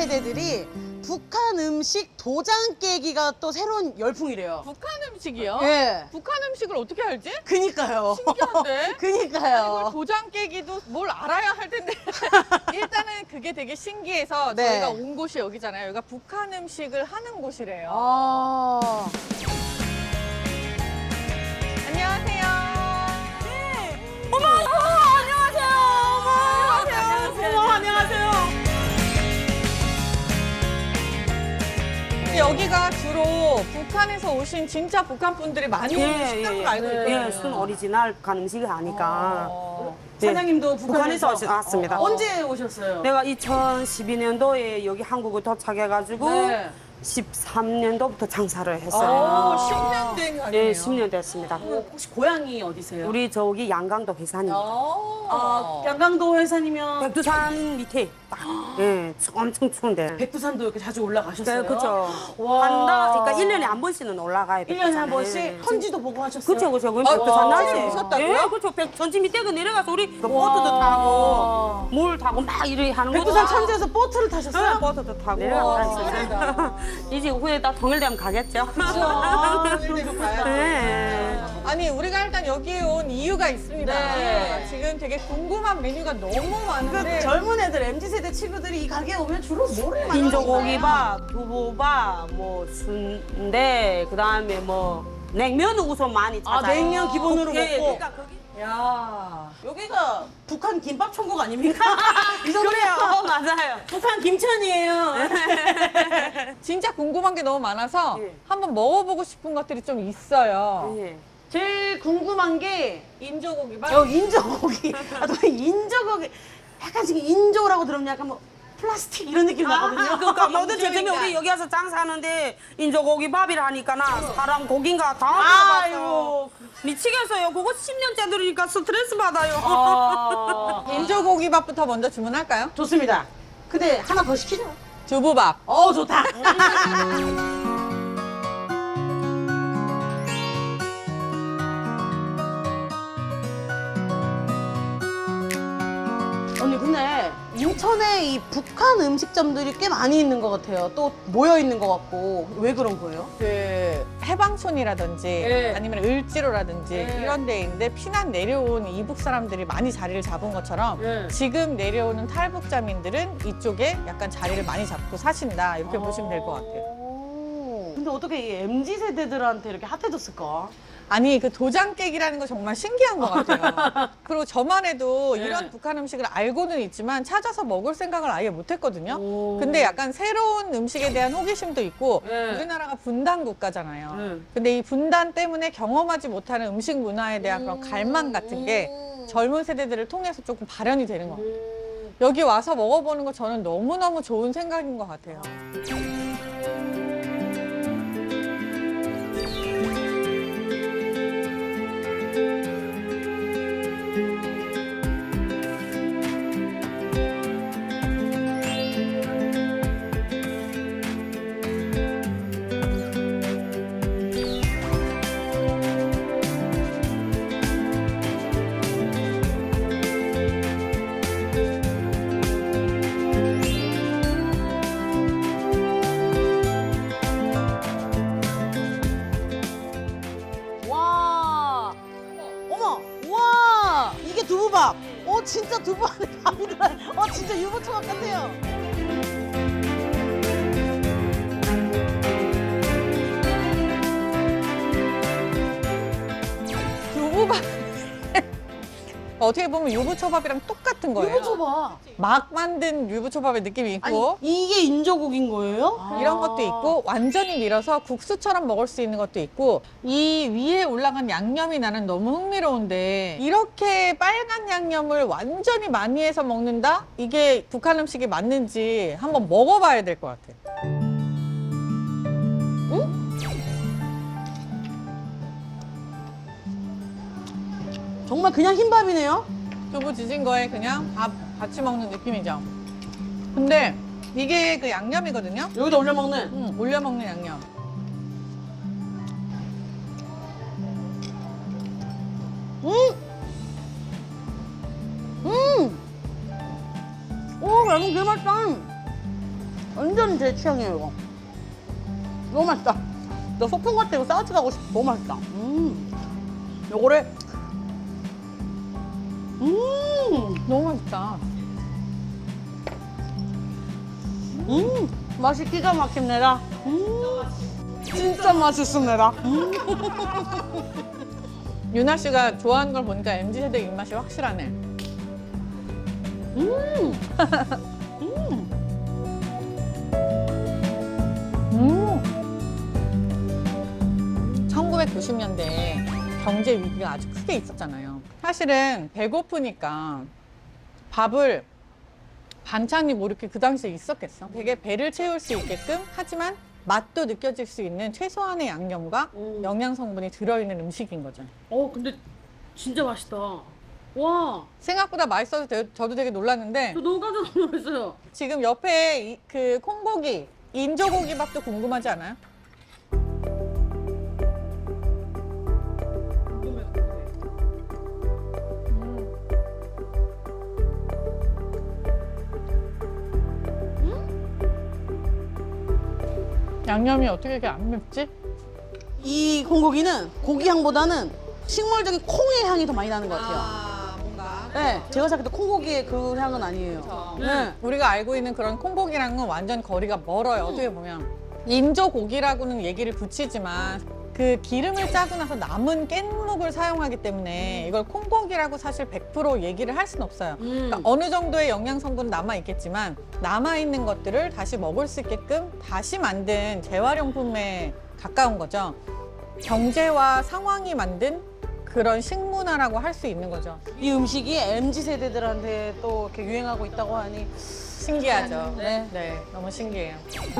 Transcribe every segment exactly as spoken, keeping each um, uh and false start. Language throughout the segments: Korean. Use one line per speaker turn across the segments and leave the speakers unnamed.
세대들이 북한 음식 도장 깨기가 또 새로운 열풍이래요.
북한 음식이요?
예.
북한 음식을 어떻게 알지?
그니까요.
신기한데?
그니까요.
이걸 도장 깨기도 뭘 알아야 할 텐데 일단은 그게 되게 신기해서
네.
저희가 온 곳이 여기잖아요. 여기가 북한 음식을 하는 곳이래요.
아.
안녕하세요.
어머, 어머, 안녕하세요. 어머, 안녕하세요. 어머, 안녕하세요.
여기가 주로 북한에서 오신 진짜 북한 분들이 많이 오는 식당으로 알고 있거든요.
예, 순 오리지널 북한 음식이 하니까.
어.
네.
사장님도
북한에서
북한에서
오시- 왔습니다.
언제 오셨어요?
내가 이천십이 년도에 여기 한국을 도착해가지고
네.
십삼 년도부터 장사를
오,
했어요.
십 년 된 거 아니에요?
예, 십 년 됐습니다.
혹시 고향이 어디세요?
우리 저기 양강도 회사입니다.
어.
아, 양강도 회사님이면
백두산 밑에 딱, 예, 엄청 추운데.
백두산도 이렇게 자주 올라가셨어요?
네, 그렇죠.
와.
한다, 그러니까 일 년에 한 번씩은 올라가요.
일 년에 한
백두산에.
번씩 선지도 보고 하셨어요?
그렇죠, 그렇죠. 그럼
아,
백두산
와,
날씨.
오셨다고요?
예, 그렇죠. 백, 전지 밑에 그 내려가서 우리 그 보트도 타고, 물 타고 막 이렇게 하는 거.
백두산 천지에서 보트를 타셨어요?
네, 보트도 타고.
대단하다.
이제 후에 다 통일되면 가겠죠.
아, 통일되면 가야죠.
네.
아니 우리가 일단 여기에 온 이유가 있습니다.
네.
지금 되게 궁금한 메뉴가 너무
그
많은데
젊은 애들, 엠지 세대 친구들이 이 가게에 오면 주로 뭐를 많이
인조고기밥, 두부밥, 뭐 순대, 그 다음에 뭐 냉면은 우선 많이
아,
찾아요.
냉면 기본으로
예,
먹고.
그러니까 거기
야, 여기가 북한 김밥 천국 아닙니까? 이 정도면
어, 맞아요.
북한 김천이에요.
진짜 궁금한 게 너무 많아서
예.
한번 먹어보고 싶은 것들이 좀 있어요.
예.
제일 궁금한 게
인조고기밥?
어, 인조고기. 아, 또 인조고기. 약간 지금 인조라고 들으면 약간 뭐 플라스틱 이런 느낌 나거든요.
그러니까 모든 제품이
인조인가?
우리 여기 와서 장사하는데 인조고기밥이라 하니까 나 사람 고기인가 당황해서
아이고.
미치겠어요. 그거 십 년째 들으니까 스트레스 받아요.
어,
인조고기밥부터 먼저 주문할까요?
좋습니다. 근데 하나 더 시키죠.
두부밥.
어, 좋다. 언니 근데 인천에 이 북한 음식점들이 꽤 많이 있는 것 같아요. 또 모여 있는 것 같고 왜 그런 거예요?
그 해방촌이라든지
네.
아니면 을지로라든지
네.
이런 데 있는데 피난 내려온 이북 사람들이 많이 자리를 잡은 것처럼
네.
지금 내려오는 탈북자민들은 이쪽에 약간 자리를 많이 잡고 사신다 이렇게 보시면 될 것 같아요.
오. 근데 어떻게 이 엠지 세대들한테 이렇게 핫해졌을까?
아니 그 도장 깨기라는 거 정말 신기한 것 같아요. 그리고 저만 해도
네.
이런 북한 음식을 알고는 있지만 찾아서 먹을 생각을 아예 못했거든요.
오.
근데 약간 새로운 음식에 대한 호기심도 있고
네.
우리나라가 분단 국가잖아요.
네.
근데 이 분단 때문에 경험하지 못하는 음식 문화에 대한 그런 갈망 같은 게 젊은 세대들을 통해서 조금 발현이 되는 것 같아요. 여기 와서 먹어보는 거 저는 너무너무 좋은 생각인 것 같아요.
와, 어머, 와, 이게 두부밥. 어, 진짜 두부 안에 밥이 들어요. 어, 진짜 유부초밥 같아요.
두부밥 어떻게 보면 유부초밥이랑 똑같은 거예요.
유부초밥.
막 만든 유부초밥의 느낌이
아니,
있고
이게 인조고기인 거예요?
이런 것도 있고 완전히 밀어서 국수처럼 먹을 수 있는 것도 있고 이 위에 올라간 양념이 나는 너무 흥미로운데 이렇게 빨간 양념을 완전히 많이 해서 먹는다? 이게 북한 음식이 맞는지 한번 먹어봐야 될 것 같아요.
정말 그냥 흰밥이네요?
두부 지진 거에 그냥 밥 같이 먹는 느낌이죠. 근데 이게 그 양념이거든요.
여기다 올려 먹는.
음, 올려 먹는 양념.
음! 음! 오, 양념 되게 맛있다. 완전 제 취향이에요, 이거. 너무 맛있다. 너 소풍 갈 때 이거 싸우지 가고 싶어. 너무 맛있다. 음. 요거를. 음.
너무 맛있다.
음. 맛이 기가 막힙니다. 음. 진짜 맛있습니다. 음.
유나 씨가 좋아하는 걸 보니까 엠지 세대 입맛이 확실하네.
음.
음. 천구백구십 년대에 경제 위기가 아주 크게 있었잖아요. 사실은 배고프니까 밥을 반찬이 뭐 이렇게 그 당시에 있었겠어. 되게 배를 채울 수 있게끔 하지만 맛도 느껴질 수 있는 최소한의 양념과
음.
영양 성분이 들어있는 음식인 거죠.
어 근데 진짜 맛있다. 와,
생각보다 맛있어서 되- 저도 되게 놀랐는데
저 너무 깜짝 놀랐어요.
지금 옆에 이- 그 콩고기, 인조고기 밥도 궁금하지 않아요? 양념이 어떻게 이렇게 안 맵지?
이 콩고기는 고기 향보다는 식물적인 콩의 향이 더 많이 나는 것 같아요.
아, 뭔가.
네, 제가 생각할 때 콩고기의 그 향은 아니에요. 네.
우리가 알고 있는 그런 콩고기랑은 완전 거리가 멀어요. 어떻게 보면 인조고기라고는 얘기를 붙이지만 그 기름을 짜고 나서 남은 깻묵을 사용하기 때문에 이걸 콩고기라고 사실 백 퍼센트 얘기를 할 수는 없어요.
음.
그러니까 어느 정도의 영양 성분은 남아 있겠지만 남아 있는 것들을 다시 먹을 수 있게끔 다시 만든 재활용품에 가까운 거죠. 경제와 상황이 만든 그런 식문화라고 할 수 있는 거죠.
이 음식이 엠지 세대들한테 또 이렇게 유행하고 있다고 하니
신기하죠.
네.
네, 너무 신기해요.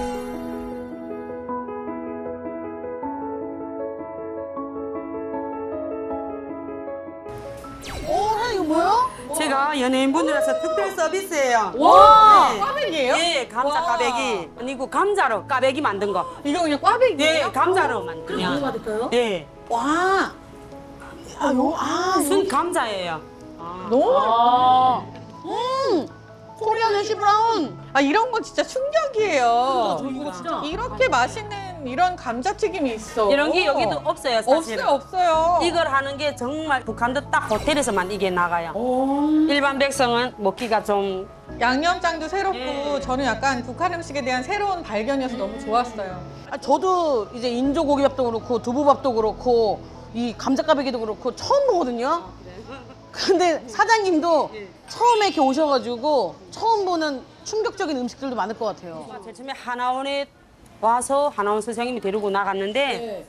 오, 사장님 이거 뭐야?
제가 연예인분들에서 특별 서비스예요.
와,
네.
꽈배기예요?
예, 감자
와.
까베기. 아니고 감자로 까베기 만든 거.
이거 그냥 꽈배기예요?
예, 감자로 만든 거.
받을까요?
예,
와. 아, 요, 아,
순 감자예요.
너무
아. 음. 코리안 해시 브라운.
아 이런 건 진짜 충격이에요.
이거 진짜.
이렇게 맛있는 이런 감자튀김이 있어.
이런 게 여기도 없어요, 사실은.
없어요, 없어요.
이걸 하는 게 정말 북한도 딱 호텔에서만 이게 나가요. 일반 백성은 먹기가 좀
양념장도 새롭고
예.
저는 약간 북한 음식에 대한 새로운 발견이어서 너무 좋았어요.
아, 저도 이제 인조 고기밥도 그렇고 두부밥도 그렇고 이 감자까베기도 그렇고 처음 보거든요. 근데 사장님도 처음에 이렇게 오셔가지고 처음 보는 충격적인 음식들도 많을 것 같아요.
제일 처음에 하나원에 와서 하나원 선생님이 데리고 나갔는데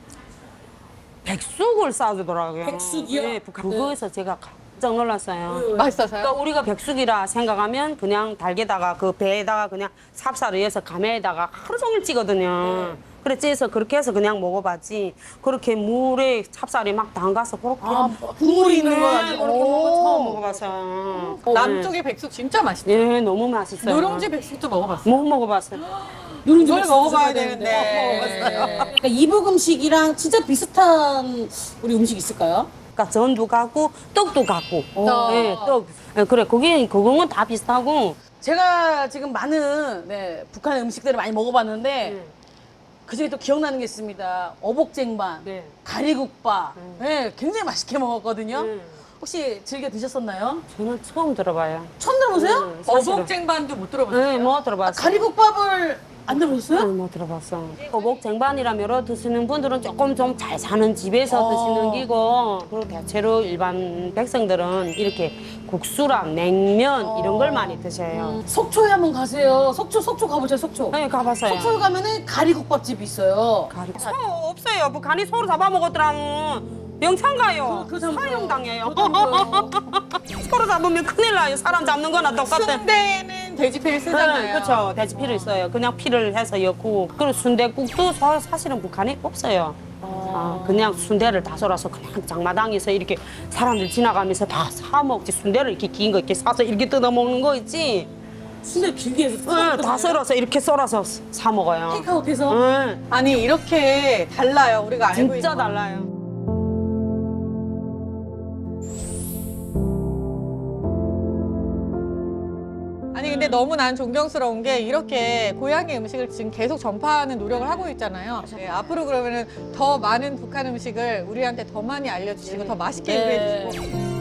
백숙을 싸주더라고요.
백숙이요?
네, 북한. 그거에서 제가 깜짝 놀랐어요.
맛있어서요?
그러니까 우리가 백숙이라 생각하면 그냥 달게다가 그 배에다가 그냥 삽살을 해서 가메에다가 하루 종일 찌거든요. 그래 찌서 그렇게 해서 그냥 먹어봤지. 그렇게 물에 찹쌀이 막 담가서 그렇게
아, 국물이 있는 거
네,
아니에요?
그렇게 먹은 거 처음
오.
먹어봤어요.
남쪽의 백숙 진짜 맛있죠.
예, 너무 맛있어요.
누룽지 백숙도 먹어봤어요.
못 먹어봤어요.
누룽지
이걸 먹어봐야 되는데.
먹어봤어요. 그러니까 이북 음식이랑 진짜 비슷한 우리 음식 있을까요?
그러니까 전도 갖고 떡도 갖고.
떡.
네, 떡. 예, 그래 거기 그거는 다 비슷하고.
제가 지금 많은 네, 북한 음식들을 많이 먹어봤는데 그중에 또 기억나는 게 있습니다. 어복쟁반,
네.
가리국밥. 네, 굉장히 맛있게 먹었거든요.
네.
혹시 즐겨 드셨었나요?
저는 처음 들어봐요.
처음 들어보세요?
네, 사실은.
어복쟁반도 못 들어봤어요.
네, 뭐
아,
들어봤어요.
가리국밥을 안 들어보셨어요?
네, 뭐 들어봤어. 어복 쟁반이라 여러 드시는 분들은 조금 좀 잘 사는 집에서
어.
드시는 기고, 그리고 대체로 일반 백성들은 이렇게 국수랑 냉면 이런 걸 많이 드셔요.
속초에 한번 가세요. 속초, 속초 가보세요, 속초.
네, 가봤어요.
속초에 가면은 가리국밥집이 있어요.
가리. 소 없어요. 북한이 소를 잡아먹었더라면 영창 가요.
그- 그 잡아요.
사형당해요.
그렇다고요.
소를 잡으면 큰일 나요. 사람 잡는 거나 똑같아.
순대는 돼지피를 쓰잖아요.
그렇죠. 돼지 피를 써요. 그냥 피를 해서 넣고. 그리고 순대국도 사- 사실은 북한에 없어요. 아, 그냥 순대를 다 썰어서 그냥 장마당에서 이렇게 사람들 지나가면서 다 사 먹지. 순대를 이렇게 긴 거 이렇게 싸서 이렇게 뜯어 먹는 거 있지.
순대 길게 해서
응, 다 썰어서 이렇게 썰어서 사 먹어요.
테이크아웃해서.
응,
아니 이렇게 달라요. 우리가 알고 있는
진짜
거.
달라요.
아니 근데 근데 너무 난 존경스러운 게 이렇게 고향의 음식을 지금 계속 전파하는 노력을 하고 있잖아요. 네, 앞으로 그러면은 더 많은 북한 음식을 우리한테 더 많이 알려주시고 더 맛있게
네.
요리해주시고